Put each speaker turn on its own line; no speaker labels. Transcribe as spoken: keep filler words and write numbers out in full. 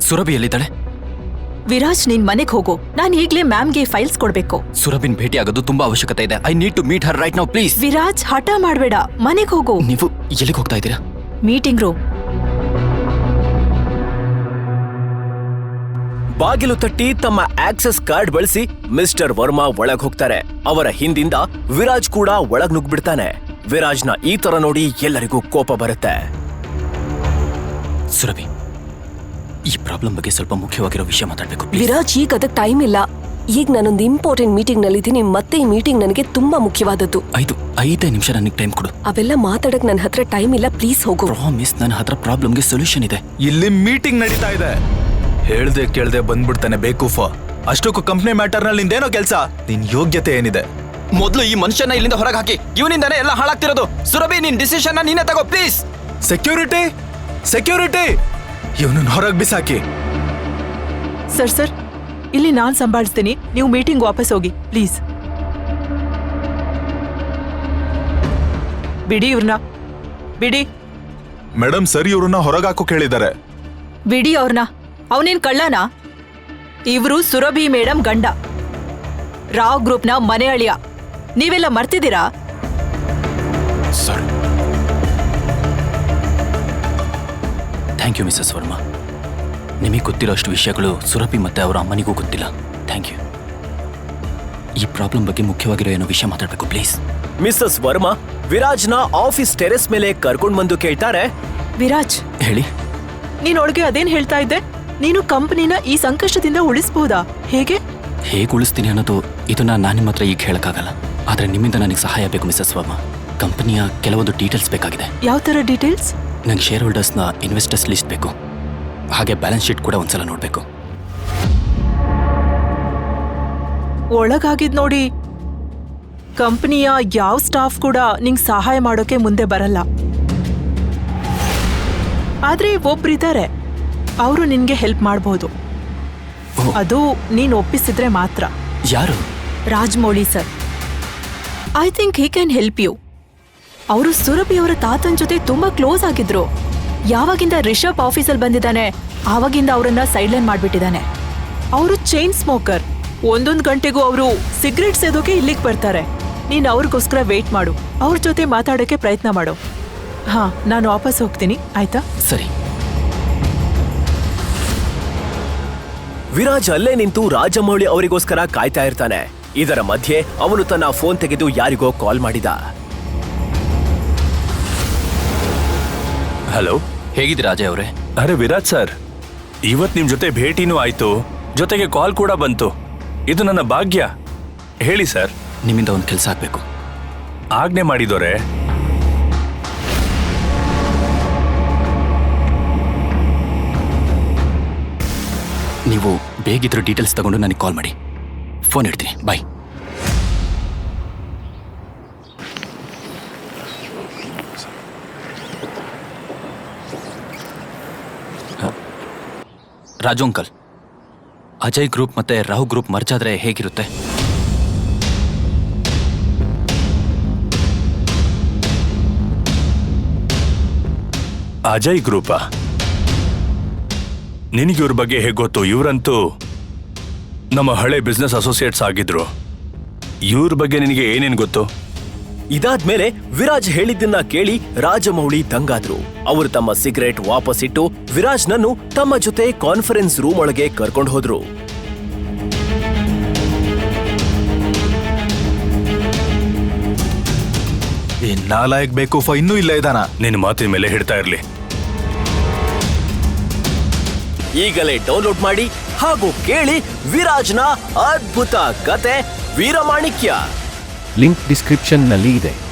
ಸುರಭಿ ಎಲ್ಲಿದ್ದಾಳೆ?
ವಿರಾಜ್, ನೀನ್ ಮನೆಗೆ ಹೋಗು. ನಾನು ಈಗ್ಲೇ ಮ್ಯಾಮ್ಗೆ ಫೈಲ್ಸ್ ಕೊಡ್ಬೇಕು.
ಸುರಭಿನ್ ಭೇಟಿ ಆಗೋದು ತುಂಬಾ ಅವಶ್ಯಕತೆ ಇದೆ. I need to meet her right now please.
Viraj, ಹಠ ಮಾಡ್ಬೇಡ, ಮನೆಗೆ ಹೋಗು.
ನೀವು ಎಲ್ಲಿಗೆ ಹೋಗ್ತಾ ಇದ್ದೀರಾ?
Meeting room.
ಬಾಗಿಲು ತಟ್ಟಿ ತಮ್ಮ ಆಕ್ಸೆಸ್ ಕಾರ್ಡ್ ಬಳಸಿ ಮಿಸ್ಟರ್ ವರ್ಮಾ ಒಳಗ್ ಹೋಗ್ತಾರೆ. ಅವರ ಹಿಂದಿಂದ ವಿರಾಜ್ ಕೂಡ ಒಳಗ್ ನುಗ್ಬಿಡ್ತಾನೆ. ವಿರಾಜ್ನ ಈ ತರ ನೋಡಿ ಎಲ್ಲರಿಗೂ ಕೋಪ ಬರುತ್ತೆ.
ಸುರಭಿ, ಈ ಪ್ರಾಬ್ಲಮ್ ಬಗ್ಗೆ ಸ್ವಲ್ಪ ಮುಖ್ಯವಾಗಿರೋ ವಿಷಯ ಮಾತಾಡ್ಬೇಕು.
ವಿರಾಜ್, ಈಗ ಅದಕ್ಕೆ ಟೈಮ್ ಇಲ್ಲ. ಈಗ ನಾನೊಂದು ಇಂಪಾರ್ಟೆಂಟ್ ಮೀಟಿಂಗ್ ನಲ್ಲಿದ್ದೀನಿ. ಮತ್ತೆ ಈ ಮೀಟಿಂಗ್ ನನಗೆ ತುಂಬಾ ಮುಖ್ಯವಾದದ್ದು.
ಐದು ಐದೇ ನಿಮಿಷ ನನಗೆ ಟೈಮ್ ಕೊಡು.
ಅವೆಲ್ಲ ಮಾತಾಡಕ್ ನನ್ನ ಹತ್ರ ಟೈಮ್ ಇಲ್ಲ, ಪ್ಲೀಸ್ ಹೋಗು.
ಪ್ರಾಮಿಸ್, ನನ್ನ ಹತ್ರ ಪ್ರಾಬ್ಲಮ್ಗೆ ಸೊಲ್ಯೂಷನ್ ಇದೆ.
ಇಲ್ಲಿ ಮೀಟಿಂಗ್ ನಡೀತಾ ಇದೆ. ಹೇಳ್ದೆ ಕೇಳ್ದೆ ಬಂದ್ಬಿಡ್ತಾನೆ ಬೇಕೂಫ. ಅಷ್ಟಕ್ಕೂ ಕಂಪ್ನಿ ಮ್ಯಾಟರ್ ನಲ್ಲಿ ನಿಂದೇನೋ ಕೆಲ್ಸ? ನಿನ್ ಯೋಗ್ಯತೆ ಏನಿದೆ?
ಮೊದಲು ಈ ಮನುಷ್ಯನ ಇಲ್ಲಿಂದ ಹೊರಗೆ ಹಾಕಿ. ಇವನಿಂದಾನೇ ಎಲ್ಲ ಹಾಳಾಗ್ತಿರೋದು. ಸುರಭಿ, ನಿನ್ ಡಿಸಿಷನ್ ನೀನೇ ತಗೋ ಪ್ಲೀಸ್.
ಸೆಕ್ಯೂರಿಟಿ, ಸೆಕ್ಯೂರಿಟಿ, ಇವನನ್ನ ಹೊರಗೆ ಬಿಸಾಕಿ.
ಸರ್ ಸರ್ ಇಲ್ಲಿ ನಾನ್ ಸಂಭಾಳಿಸ್ತೀನಿ. ನೀವು ಮೀಟಿಂಗ್ ವಾಪಸ್ ಹೋಗಿ ಪ್ಲೀಸ್. ಬಿಡಿ ಇವ್ರನ್ನ, ಬಿಡಿ.
ಮೇಡಮ್, ಸರಿ, ಇವ್ರನ್ನ ಹೊರಗೆ ಹಾಕೋ ಕೇಳಿದ್ದಾರೆ.
ಬಿಡಿ ಅವ್ರನ್ನ. ಅವನೇನ್ ಕಳ್ಳನಾ? ಇವರು ಸುರಭಿ ಮೇಡಮ್ ಗಂಡ, ರಾವ್ ಗ್ರೂಪ್ನ ಮನೆ ಅಳಿಯ. ನೀವೆಲ್ಲ ಮರ್ತಿದ್ದೀರಾ?
Sir, thank you Mrs Varma. ನಿಮಗೆ ಗೊತ್ತಿರೋ ಅಷ್ಟು ವಿಷಯಗಳು ಸುರಭಿ ಮತ್ತೆ ಅವರ ಅಮ್ಮನಿಗೂ ಗೊತ್ತಿಲ್ಲ. Thank you. ಈ ಪ್ರಾಬ್ಲಮ್ ಬಗ್ಗೆ ಮುಖ್ಯವಾಗಿರೋ ಏನೋ ವಿಷಯ ಮಾತಾಡಬೇಕು ಪ್ಲೀಸ್.
ಮಿಸಸ್ ವರ್ಮಾ ವಿರಾಜ್ನ ಆಫೀಸ್ ಟೆರೆಸ್ ಮೇಲೆ ಕರ್ಕೊಂಡ್ ಬಂದು ಕೇಳ್ತಾರೆ.
ವಿರಾಜ್,
ಹೇಳಿ.
ನೀನ್ ಒಳಗೆ ಅದೇನ್ ಹೇಳ್ತಾ ಇದ್ದೆ? ನೀನು ಕಂಪನಿನ ಈ ಸಂಕಷ್ಟದಿಂದ ಉಳಿಸಬಹುದಾ? ಹೇಗೆ
ಹೇಗೆ ಉಳಿಸ್ತೀನಿ ಅನ್ನೋದು ಇದನ್ನ ನಾನು ನಿಮ್ಮ ಹತ್ರ ಈಗ ಹೇಳಕ್ಕಾಗಲ್ಲ. ಆದ್ರೆ ನಿಮ್ಮಿಂದ ನನಗೆ ಸಹಾಯ ಬೇಕು ಮಿಸಸ್ ವರ್ಮಾ. ಕಂಪನಿಯ ಕೆಲವೊಂದು ಡೀಟೇಲ್ಸ್ ಬೇಕಾಗಿದೆ.
ಯಾವ ತರ ಡೀಟೇಲ್ಸ್?
ನಂಗೆ ಶೇರ್ ಹೋಲ್ಡರ್ಸ್ನ ಇನ್ವೆಸ್ಟರ್ಸ್ ಲಿಸ್ಟ್ ಬೇಕು. ಹಾಗೆ ಬ್ಯಾಲೆನ್ಸ್ ಶೀಟ್ ಕೂಡ ಒಂದ್ಸಲ ನೋಡ್ಬೇಕು.
ಒಳಗಾಗಿದ್ ನೋಡಿ, ಕಂಪನಿಯ ಯಾವ ಸ್ಟಾಫ್ ಕೂಡ ನಿಂಗ್ ಸಹಾಯ ಮಾಡೋಕೆ ಮುಂದೆ ಬರಲ್ಲ. ಆದ್ರೆ ಒಬ್ರಿದ್ದಾರೆ, ಅವರು ನಿನ್ಗೆ ಹೆಲ್ಪ್ ಮಾಡಬಹುದು. ಅದು ನೀನ್ ಒಪ್ಪಿಸಿದ್ರೆ ಮಾತ್ರ.
ಯಾರು?
Rajamouli sir. I think he can help you. ಅವರು ಸುರಭಿ ಅವರ ತಾತನ್ ಜೊತೆ ತುಂಬಾ ಕ್ಲೋಸ್ ಆಗಿದ್ರು. ಯಾವಾಗಿಂದ ರಿಷಬ್ ಆಫೀಸಲ್ಲಿ ಬಂದಿದ್ದಾನೆ ಆವಾಗಿಂದ ಅವರನ್ನ ಸೈಡ್ಲೈನ್ ಮಾಡ್ಬಿಟ್ಟಿದ್ದಾನೆ. ಅವರು ಚೈನ್ ಸ್ಮೋಕರ್. ಒಂದೊಂದು ಗಂಟೆಗೂ ಅವರು ಸಿಗರೇಟ್ ಸೇದೋಕೆ ಇಲ್ಲಿಗೆ ಬರ್ತಾರೆ. ನೀನ್ ಅವ್ರಿಗೋಸ್ಕರ ವೇಟ್ ಮಾಡು, ಅವ್ರ ಜೊತೆ ಮಾತಾಡೋಕೆ ಪ್ರಯತ್ನ ಮಾಡು. ಹಾ, ನಾನು ವಾಪಸ್ ಹೋಗ್ತೀನಿ, ಆಯ್ತಾ?
ಸರಿ.
ವಿರಾಜ್ ಅಲ್ಲೇ ನಿಂತು ರಾಜಮೌಳಿ ಅವರಿಗೋಸ್ಕರ ಕಾಯ್ತಾ ಇರ್ತಾನೆ. ಇದರ ಮಧ್ಯೆ ಅವನು ತನ್ನ ಫೋನ್ ತೆಗೆದು ಯಾರಿಗೋ ಕಾಲ್ ಮಾಡಿದ.
ಹಲೋ,
ಹೇಗಿದ್ದೀರಾ ಅಜಯ್ ಅವರೇ?
ಅರೆ ವಿರಾಜ್ ಸರ್, ಇವತ್ ನಿಮ್ ಜೊತೆ ಭೇಟಿನೂ ಆಯ್ತು, ಜೊತೆಗೆ ಕಾಲ್ ಕೂಡ ಬಂತು. ಇದು ನನ್ನ ಭಾಗ್ಯ. ಹೇಳಿ ಸರ್.
ನಿಮ್ಮಿಂದ ಒಂದು ಕೆಲಸ ಆಗ್ಬೇಕು.
ಆಜ್ಞೆ ಮಾಡಿದೋರೆ.
ನೀವು ಬೇಗಿದ್ರು ಡೀಟೇಲ್ಸ್ ತಗೊಂಡು ನನಗೆ ಕಾಲ್ ಮಾಡಿ. ಫೋನ್ ಇಡ್ತೀನಿ. Bye. Raju uncle, Ajay group ಮತ್ತೆ ರಾಹು ಗ್ರೂಪ್ ಮರ್ಜ್ ಆದ್ರೆ ಹೇಗಿರುತ್ತೆ?
ಅಜಯ್ ಗ್ರೂಪಾ? ನಿನಗೆ ಇವ್ರ ಬಗ್ಗೆ ಹೇಗೆ ಗೊತ್ತು? ಇವರಂತೂ ನಮ್ಮ ಹಳೆ ಬಿಸ್ನೆಸ್ ಅಸೋಸಿಯೇಟ್ಸ್ ಆಗಿದ್ರು. ಇವ್ರ ಬಗ್ಗೆ ನಿನಗೆ ಏನೇನು ಗೊತ್ತು?
ಇದಾದ್ಮೇಲೆ ವಿರಾಜ್ ಹೇಳಿದ್ದನ್ನ ಕೇಳಿ ರಾಜಮೌಳಿ ದಂಗಾದ್ರು. ಅವರು ತಮ್ಮ ಸಿಗರೇಟ್ ವಾಪಸ್ ಇಟ್ಟು ವಿರಾಜ್ನನ್ನು ತಮ್ಮ ಜೊತೆ ಕಾನ್ಫರೆನ್ಸ್ ರೂಮ್ ಒಳಗೆ ಕರ್ಕೊಂಡು ಹೋದ್ರು.
ಈ ನಾಲಾಯಕ್ ಬೇಕೂಫ ಇನ್ನೂ ಇಲ್ಲ ಇದಾನ?
ನಿನ್ನ ಮಾತಿನ ಮೇಲೆ ಹಿಡ್ತಾ ಇರ್ಲಿ.
ಈಗಲೇ ಡೌನ್ಲೋಡ್ ಮಾಡಿ ಹಾಗೂ ಕೇಳಿ ವಿರಾಜ್ನ ಅದ್ಭುತ ಕತೆ ವೀರಮಾಣಿಕ್ಯ.
ಲಿಂಕ್ ಡಿಸ್ಕ್ರಿಪ್ಷನ್ ನಲ್ಲಿ ಇದೆ.